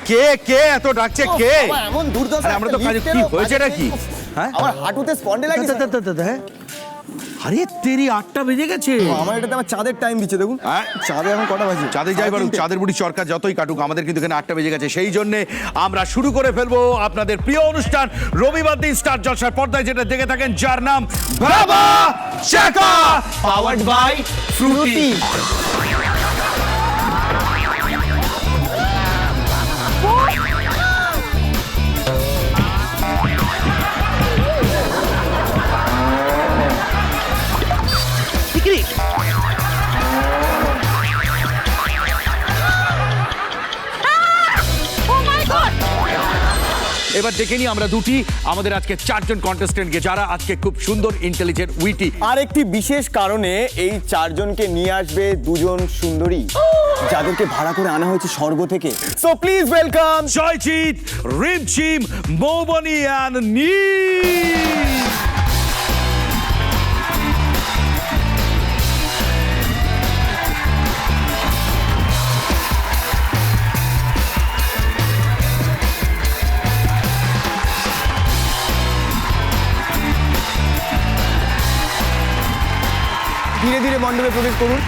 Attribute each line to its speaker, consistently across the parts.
Speaker 1: কে কে এত ডাকছে কে?
Speaker 2: এমন দুর্দশা,
Speaker 1: আমরা তো কাজে কি হয়েছে নাকি? হ্যাঁ
Speaker 2: আমার হাঁটুতে স্পন্ডেলাইটিস।
Speaker 1: আরে তেরি 8টা বেজে গেছে।
Speaker 2: আমার এটাতে আমার চাঁদের টাইম দিচ্ছে দেখুন। চাঁদে এখন কটা বাজে?
Speaker 1: চাঁদে যাই বারুক, চাঁদের বুড়ি সরকার যতই কাটুক, আমাদের কিন্তু এখানে 8টা বেজে গেছে। সেই জন্য আমরা শুরু করে ফেলবো আপনাদের প্রিয় অনুষ্ঠান রবিবার দিন স্টার জলসার পর্দায় যেটা দেখে থাকেন, যার নাম বাবা চাকা, পাওয়ার্ড বাই ফ্রুটি। এবার দেখে নিই আমরা দুটি আমাদের আজকে 4 জন কন্টেস্টেন্টকে, যারা আজকে খুব সুন্দর, ইন্টেলিজেন্ট, উইটি।
Speaker 2: আর একটি বিশেষ কারণে এই 4 জনকে নিয়ে আসবে 2 জন সুন্দরী, যাদেরকে ভাড়া করে আনা হয়েছে স্বর্গ থেকে। So please welcome
Speaker 1: Joyjit, Rimjhim, Moubani and Neel.
Speaker 2: ধীরে ধীরে মণ্ডপে প্রবেশ করুন।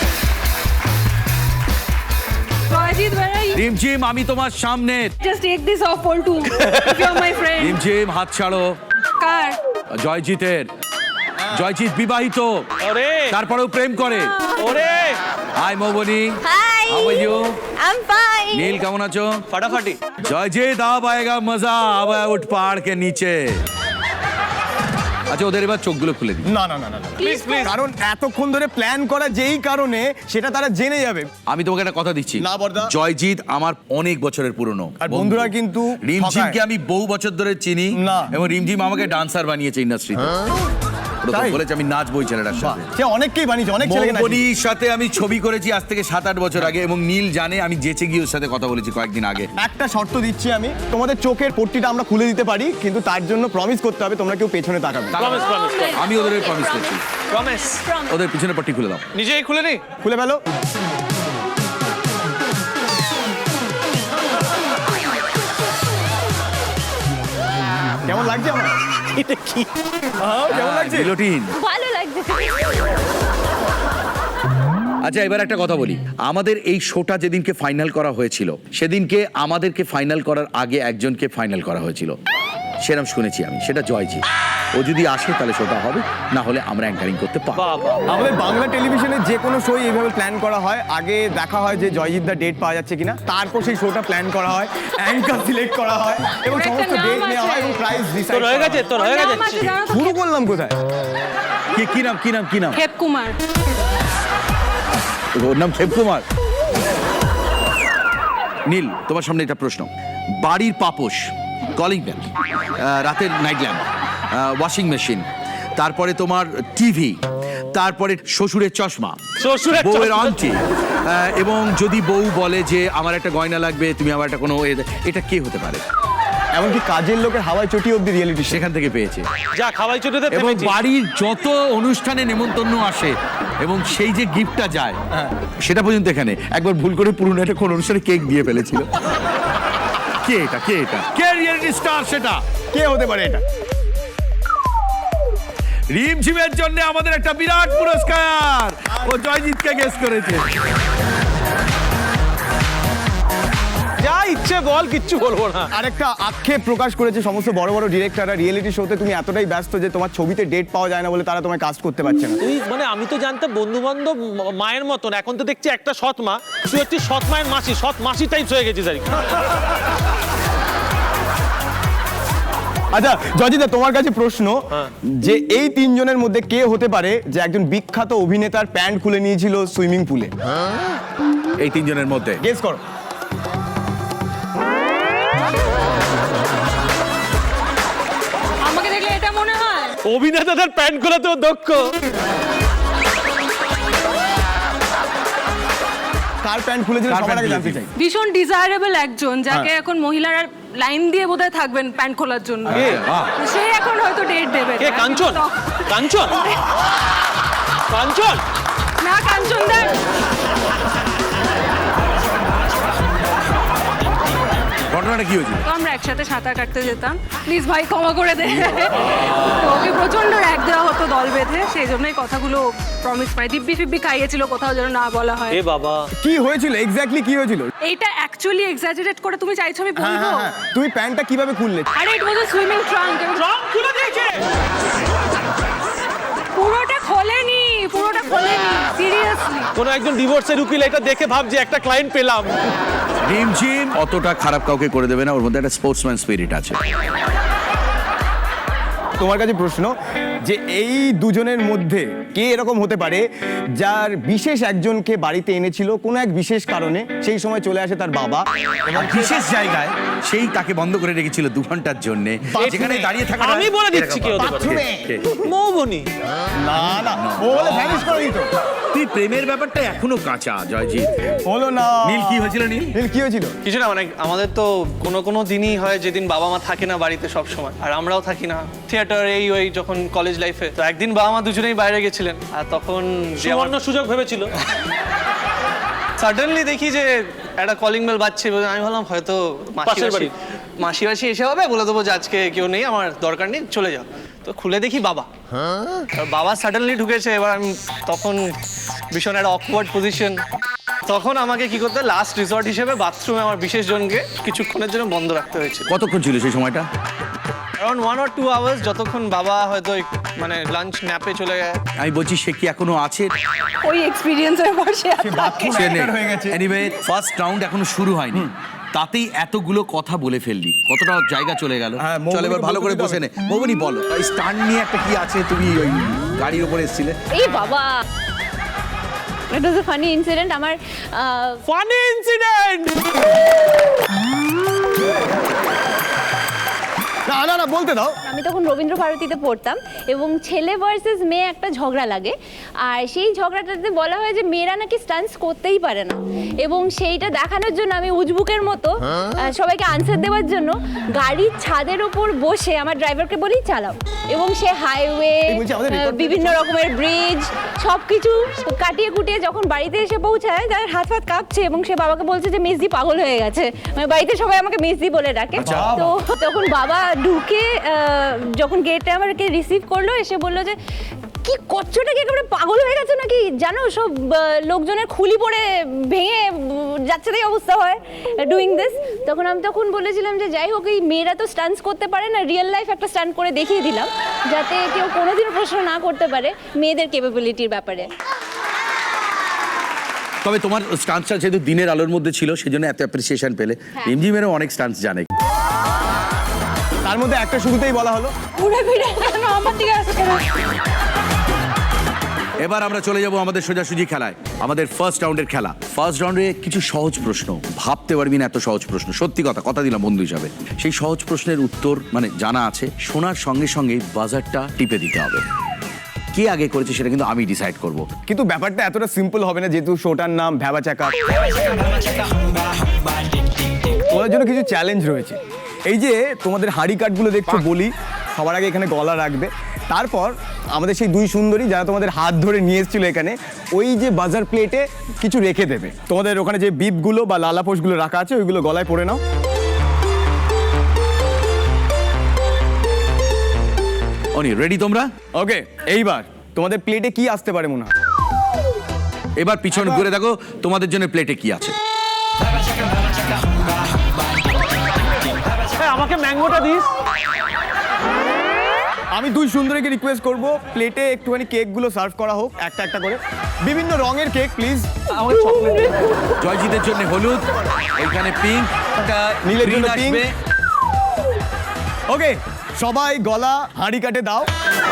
Speaker 3: Ajit, where are you?
Speaker 1: রিমঝিম, আমি তোমার সামনে।
Speaker 3: Just take this off, Poltu. If you're my friend.
Speaker 1: রিমঝিম, হাত ছাড়ো।
Speaker 3: Car.
Speaker 1: জয়জিতের, জয়জিৎ বিবাহিত, তারপরেও প্রেম করে। Hi Moubani,
Speaker 4: Hi.
Speaker 1: How are you?
Speaker 4: I'm fine.
Speaker 1: Neel কেমন আছো?
Speaker 5: फटाफटी
Speaker 1: জয়জিৎ, আব আয়েগা মজা, আব উঠ পাহাড় কে নিচে। আচ্ছা, ওদের এবার চোখগুলো খুলে দিই।
Speaker 2: না না না না, প্লিজ প্লিজ, কারণ এতক্ষণ ধরে প্ল্যান করা যেই কারণে সেটা তারা জেনে যাবে।
Speaker 1: আমি তোমাকে একটা কথা দিচ্ছি,
Speaker 2: না বর্দা।
Speaker 1: জয়জিৎ আমার অনেক বছরের পুরনো
Speaker 2: আর বন্ধুরা কিন্তু
Speaker 1: রিমঝিমকে
Speaker 2: ঠকায়।
Speaker 1: আমি বহু বছর ধরে চিনি
Speaker 2: না।
Speaker 1: এবং রিমঝিম আমাকে ডান্সার বানিয়েছে ইন্ডাস্ট্রিতে।
Speaker 2: তাই?
Speaker 1: বলেছে আমি নাচবো এই ছেলেটার সাথে।
Speaker 2: সে অনেককেই বানিয়েছে, অনেক ছেলেকে নাচিয়েছে।
Speaker 1: মৌবনির সাথে আমি ছবি করেছি আজ থেকে 7-8 বছর আগে, এবং নীল জানে আমি যেচে গিয়ে ওর সাথে কথা বলেছি কয়েকদিন আগে।
Speaker 2: একটা শর্ত দিচ্ছি আমি, তোমাদের চোখের পট্টিটা আমরা খুলে দিতে পারি, কিন্তু তার জন্য প্রমিস করতে হবে তোমরা কেউ পেছনে তাকাবে না।
Speaker 5: प्रॉमिस प्रॉमिस
Speaker 1: আমি ওদের প্রমিস করছি,
Speaker 5: प्रॉमिस
Speaker 1: ওদের পিছনে পট্টি খুলে দাও।
Speaker 5: নিজেই খুলে নি
Speaker 2: খুলে ফেলো। কেমন লাগছে আমার?
Speaker 5: এটা কি
Speaker 2: কেমন লাগছে?
Speaker 1: গিলোটিন।
Speaker 4: ভালো লাগছে।
Speaker 1: আচ্ছা, এবার একটা কথা বলি, আমাদের এই শোটা যেদিনকে ফাইনাল করা হয়েছিল, সেদিনকে আমাদেরকে ফাইনাল করার আগে একজনকে ফাইনাল করা হয়েছিল, সেরকম শুনেছি আমি, সেটা জয়জিৎ। ও যদি আসে তাহলে শোটা হবে, না হলে আমরা অ্যাঙ্কারিং করতে পারবো।
Speaker 5: বাবা
Speaker 2: আমাদের বাংলা টেলিভিশনে যে কোনো শো এইভাবে প্ল্যান করা হয়, আগে দেখা হয় যে জয়জিৎ দা ডেট পাওয়া যাচ্ছে কিনা, তারপর সেই শোটা প্ল্যান করা হয়, অ্যাঙ্কার সিলেক্ট করা হয় এবং
Speaker 3: একটা
Speaker 2: সমস্ত
Speaker 3: নাম
Speaker 2: ডেট নেওয়া
Speaker 3: আছে।
Speaker 2: হয় এবং প্রাইস
Speaker 5: তোর
Speaker 2: ডিসাইড
Speaker 5: হয়ে গেছে তোর হয়ে গেছে
Speaker 3: নাম আছে, জানো তো?
Speaker 2: শুরু করলাম কোথায়?
Speaker 1: কি নাম, কি নাম, কি নাম?
Speaker 3: Khep Kumar.
Speaker 1: ওর নাম ক্ষেপকুমার। নীল, তোমার সামনে একটা প্রশ্ন। বাড়ির পাপোশ, কলিং বেল, রাতের নাইট ল্যাম্প, ওয়াশিং মেশিন, তারপরে তোমার টিভি, তারপরে শ্বশুরের চশমা,
Speaker 5: শ্বশুরের
Speaker 1: বউয়ের
Speaker 5: চশমা।
Speaker 1: আংটি, এবং যদি বউ বলে যে আমার একটা গয়না লাগবে, তুমি আমার একটা কোনো এটা কে হতে পারে?
Speaker 2: এমনকি কাজের লোকের হাওয়ায় চটি অব্দি রিয়েলিটি শো।
Speaker 1: সেখান থেকে পেয়েছে।
Speaker 5: যা খাওয়াই চুটিতে
Speaker 1: এবং বাড়ির যত অনুষ্ঠানে নেমন্তন্ন আসে এবং সেই যে গিফটটা যায়, সেটা পর্যন্ত এখানে। একবার ভুল করে পুরনো একটা কোন অনুষ্ঠানে কেক দিয়ে ফেলেছিল। কে এটা, কে এটা, কে রিয়েলিটি স্টার সেটা?
Speaker 2: কে হতে পারে এটা?
Speaker 1: রিমঝিমের জন্য আমাদের একটা বিরাট পুরস্কার, ও জয়জিৎকে গেস করেছে।
Speaker 5: যা ইচ্ছে বল, কিচ্ছু বলবো না।
Speaker 2: আরেকটা আক্ষেপ প্রকাশ করেছে সমস্ত বড় বড় ডিরেক্টররা, রিয়েলিটি শোতে তুমি এতটাই ব্যস্ত যে তোমার ছবিতে ডেট পাওয়া যায় না বলে তারা তোমায় কাস্ট করতে পারছে না।
Speaker 5: তুই মানে আমি তো জানতাম বন্ধু বান্ধব মায়ের মতন, এখন তো দেখছি একটা সৎ মা, তুই হচ্ছিস সৎ মায়ের মাসি, সৎ মাসি টাইপস হয়ে গেছিস আর কি।
Speaker 2: আচ্ছা জয়জিৎ, তোমার কাছে প্রশ্ন, যে এই 3 জনের মধ্যে কে হতে পারে যে একজন বিখ্যাত অভিনেতার প্যান্ট খুলে নিয়েছিল সুইমিং পুলে?
Speaker 1: এই 3 জনের মধ্যে
Speaker 2: গেস করো।
Speaker 3: আমাকে দেখলে এটা মনে হয়।
Speaker 5: অভিনেতাদের প্যান্ট খোলাতেও দক্ষ।
Speaker 2: কার প্যান্ট খুলেছিল
Speaker 1: কার
Speaker 2: সবার
Speaker 1: প্যান্ট
Speaker 2: আগে জানতে
Speaker 1: খুলেছিল?
Speaker 2: চাই।
Speaker 3: ভীষণ ডিজায়ারেবল একজন, যাকে এখন মহিলারা লাইন দিয়ে বোধহয় থাকবেন প্যান্ট খোলার জন্য। সে এখন হয়তো ডেট দেবে।
Speaker 5: কে কাঞ্চন? কাঞ্চন কাঞ্চন
Speaker 3: না, কাঞ্চন দা
Speaker 1: ঘটনাটা কি হয়েছিল?
Speaker 3: তো আমরা একসাথে সাঁতার কাটতে যেতাম, প্লিজ ভাই ক্ষমা করে দে। তো ওকে প্রচন্ড র্যাক দেওয়া হতো দল বেঁধে, সেই জন্যই কথাগুলো প্রমিস পাই, দিব্যি ফিব্বি খাইয়েছিল কোথাও যেন না বলা হয়।
Speaker 5: এ বাবা,
Speaker 2: কি হয়েছিল এক্স্যাক্টলি, কি হয়েছিল?
Speaker 3: এইটা অ্যাকচুয়ালি এক্সাজারেট করে তুমি চাইছো আমি
Speaker 2: হ্যাঁ
Speaker 3: বলবো?
Speaker 2: হ্যাঁ হ্যাঁ, তুমি প্যান্টটা কিভাবে খুললে?
Speaker 3: আরে ইট ওয়াজ আ সুইমিং ট্রাঙ্ক।
Speaker 5: রং খুলে দিয়েছে।
Speaker 3: পুরোটা খোলেনি, পুরোটা খোলেনি, সিরিয়াসলি।
Speaker 5: কোনো একজন ডিভোর্সের উকিল এটা দেখে ভাবছে একটা ক্লায়েন্ট পেলাম।
Speaker 1: রিমঝিম অতটা খারাপ কাউকে করে দেবে না, ওর মধ্যে একটা স্পোর্টসম্যান স্পিরিট আছে।
Speaker 2: তোমার কাছে প্রশ্ন, যে এই দুজনের মধ্যে কে এরকম হতে পারে যার বিশেষ একজনকে বাড়িতে এনেছিল কোনো এক বিশেষ কারণে, সেই সময় চলে আসে তার বাবা
Speaker 1: এবং বিশেষ জায়গায় সেই তাকে বন্ধ করে রেখেছিল 2 ঘন্টার জন্য, যেখানে দাঁড়িয়ে থাকা।
Speaker 5: আমি বলে দিচ্ছি কি হতে পারে। মৌবনি।
Speaker 2: না না, ও বলে ভ্যানিশ করে দিত।
Speaker 1: তুই প্রেমের ব্যাপারটা এখনো কাঁচা জয়জিৎ।
Speaker 2: হলো না।
Speaker 1: নীল কি হয়েছিল?
Speaker 2: নীল কি হয়েছিল?
Speaker 4: কিছু না, মানে আমাদের তো কোনো দিনই হয় যেদিন বাবা মা থাকে না বাড়িতে সব সময়, আর আমরাও থাকি না থিয়েটার এই ওই যখন কলেজ লাইফে। তো একদিন বাবা মা দুজনেই বাইরে গেছিলেন, আর তখন যে আমার
Speaker 5: সুবর্ণ সুযোগ ভেবেছিল।
Speaker 4: সাডেনলি দেখি যে একটা কলিং বেল বাজছে, আমি ভাবলাম হয়তো
Speaker 5: পাশের বাড়ি।
Speaker 4: মাসি এসে হবে, বলে দেবো যে আজকে কেউ নেই, আমার দরকার নেই, চলে যাও। তো খুলে দেখি বাবা, আর বাবা সাডেনলি ঢুকেছে। এবার আমি তখন ভীষণ একটা অকওয়ার্ড পজিশন। তখন আমাকে কি করতে, লাস্ট রিসর্ট হিসেবে বাথরুমে আমার বিশেষ জনকে কিছুক্ষণের জন্য বন্ধ রাখতে হয়েছিল।
Speaker 1: কতক্ষণ ছিল সেই সময়টা?
Speaker 4: অ্যারাউন্ড 1 or 2 আওয়ার্স, যতক্ষণ বাবা হয়তো মানে লাঞ্চ ন্যাপে চলে যায়।
Speaker 1: আমি বলছি সে কি এখনো আছে?
Speaker 3: ওই এক্সপিরিয়েন্সের বসে
Speaker 1: সে নেই।
Speaker 2: হয়ে গেছে।
Speaker 1: এনিওয়ে, ফার্স্ট রাউন্ড এখনো শুরু হয়নি, তাতেই এতগুলো কথা বলে ফেললি, কতটা জায়গা চলে গেল।
Speaker 2: হ্যাঁ, মৌবনিকে
Speaker 1: চল এবার ভালো করে
Speaker 2: বলতে
Speaker 1: বসে নে। মৌবনি বলো, এই স্টান্ট নিয়ে একটা কি আছে, তুমি ওই গাড়ির উপরে এসেছিলে।
Speaker 6: এই বাবা, it was a funny incident. আমার
Speaker 5: ফানি ইনসিডেন্ট।
Speaker 2: না না না, বলতে দাও।
Speaker 6: আমি তখন রবীন্দ্র ভারতীতে পড়তাম এবং ছেলে ভার্সেস মেয়ে একটা ঝগড়া লাগে, আর সেই ঝগড়াটাতে বলা হয় যে মেয়েরা নাকি স্টান্টস করতেই পারে না, এবং সেইটা দেখানোর জন্য আমি উজবুকের মতো সবাইকে আনসার দেওয়ার জন্য গাড়ির ছাদের ওপর বসে আমার ড্রাইভারকে বলি চালাও, এবং সে হাইওয়ে,
Speaker 2: এই বলছি আমাদের record
Speaker 6: বিভিন্ন রকমের ব্রিজ সব কিছু কাটিয়ে কুটিয়ে যখন বাড়িতে এসে পৌঁছায়, তার হাত ফাত কাঁপছে এবং সে বাবাকে বলছে যে মেজদি পাগল হয়ে গেছে। মানে বাড়িতে সবাই আমাকে মেজদি বলে ডাকে। তো তখন বাবা ঢুকে যখন গেটে আমাকে রিসিভ করলো, এসে বললো যে কি করছোটা কি একেবারে পাগল হয়ে গেছে নাকি, জানো সব লোকজনের খুলি পড়ে ভেঙে যাচ্ছে, তাই অবস্থা হয় ডুইং দিস। তখন বলেছিলাম যে যাই হোক, এই মেয়েরা তো স্টান্টস করতে পারে না, রিয়েল লাইফ একটা স্টান্ট করে দেখিয়ে দিলাম যাতে কেউ কোনোদিনও প্রশ্ন না করতে পারে মেয়েদের ক্যাপাবিলিটির ব্যাপারে।
Speaker 1: তবে তোমার স্টান্সটা যেহেতু দিনের আলোর মধ্যে ছিল, সেজন্য এত অ্যাপ্রিসিয়েশন পেলে। রিমঝিমেরও অনেক স্টান্স জানে।
Speaker 2: তার মধ্যে একটা শুরুতেই বলা হলো।
Speaker 3: ঘুরে ফিরে কেন আমার দিকে আসছে?
Speaker 1: এবার আমরা চলে যাব আমাদের সোজাসুজি খেলায়, আমাদের ফার্স্ট রাউন্ডের খেলা। ফার্স্ট রাউন্ডে কিছু সহজ প্রশ্ন, ভাবতে পারবি না এত সহজ প্রশ্ন, সত্যি কথা দিলাম বন্ধু হিসাবে। সেই সহজ প্রশ্নের উত্তর মানে জানা আছে, শোনার সঙ্গে সঙ্গে বাজারটা টিপে দিতে হবে। কে আগে করেছে সেটা কিন্তু আমি ডিসাইড করব।
Speaker 2: কিন্তু ব্যাপারটা এতটা সিম্পল হবে না, যেহেতু শোটার নাম ভ্যাবা চাকা। তোমাদের জন্য কিছু চ্যালেঞ্জ রয়েছে। এই যে তোমাদের হাড়ি কাঠগুলো দেখছো, বলি সবার আগে এখানে গলা রাখবে, তারপর আমাদের সেই দুই সুন্দরী যারা তোমাদের হাত ধরে নিয়ে এসেছিল এখানে, ওই যে বাজার প্লেটে কিছু রেখে দেবে। তোমাদের ওখানে যে বিপগুলো বা লালাপোষগুলো রাখা আছে, ওইগুলো গলায় পরে নাও।
Speaker 1: অনি রেডি তোমরা?
Speaker 2: ওকে, এইবার তোমাদের প্লেটে কি আসতে পারে মনে হয়?
Speaker 1: এবার পিছনে ঘুরে দেখো তোমাদের জন্য প্লেটে কি আছে।
Speaker 5: আমাকে ম্যাঙ্গোটা দিস।
Speaker 2: আমি দুই সুন্দরীকে রিকোয়েস্ট করব, প্লেটে একটুখানি কেকগুলো সার্ভ করা হোক, একটা একটা করে, বিভিন্ন রঙের কেক প্লিজ।
Speaker 5: আমাকে চকলেট।
Speaker 1: জয়জিতের জন্য হলুদ, এখানে পিঙ্ক,
Speaker 2: নীলের জন্য পিঙ্ক। ওকে, সবাই গলা হাঁড়ি কাটে দাও।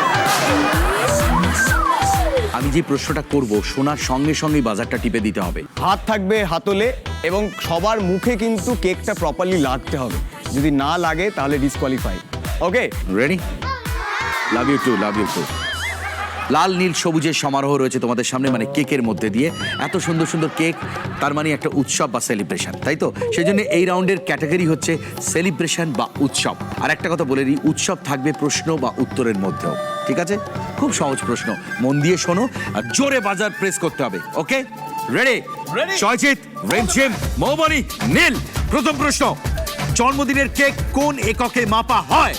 Speaker 1: আমি যে প্রশ্নটা করব, শোনার সঙ্গে সঙ্গেই বাজারটা টিপে দিতে হবে।
Speaker 2: হাত থাকবে হাতলে, এবং সবার মুখে কিন্তু কেকটা প্রপারলি লাগতে হবে। যদি না লাগে তাহলে disqualify. Okay,
Speaker 1: ready? Love you too, love you too. লাল নীল সবুজের সমারোহ রয়েছে তোমাদের সামনে, মানে কেকের মধ্যে দিয়ে। এত সুন্দর সুন্দর কেক, তার মানে একটা উৎসব বা সেলিব্রেশন, তাই তো? সেই জন্য এই রাউন্ডের ক্যাটাগরি হচ্ছে সেলিব্রেশন বা উৎসব। আর একটা কথা বলে দিই, উৎসব থাকবে প্রশ্ন বা উত্তরের মধ্যেও, ঠিক আছে? খুব সহজ প্রশ্ন, মন দিয়ে শোনো আর জোরে বাজার প্রেস করতে হবে। Okay, ready? জয়জিৎ, রিমঝিম, মৌবনি, নীল। প্রথম প্রশ্ন, জন্মদিনের কেক কোন এককে মাপা হয়?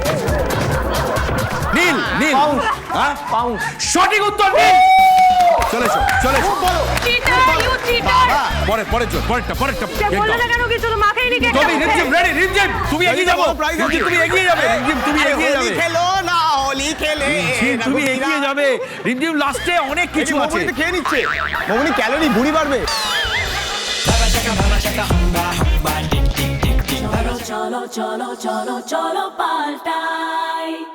Speaker 1: নীল, নীল। হ্যাঁ? সঠিক উত্তর নীল। চলে এসো, চলে এসো।
Speaker 3: চিটার ইউ চিটার
Speaker 1: পরেরটা।
Speaker 3: বললে না কেন কিছু তো মাথায় নি কেক
Speaker 1: তুমি রিমঝিম রেডি, রিমঝিম তুমি এগিয়ে যাবো, রিমঝিম তুমি এগিয়ে যাবে, রিমঝিম তুমি এগিয়ে যাবে,
Speaker 2: খেলো না হোলি খেলে
Speaker 1: রিমঝিম তুমি এগিয়ে যাবে, রিমঝিম লাস্টে অনেক কিছু আছে।
Speaker 2: মমনি তো খেয়ে নিচ্ছে, মমনি ক্যালোরি বুড়ি বাড়বে।
Speaker 7: cholo, cholo, cholo, cholo, paltai.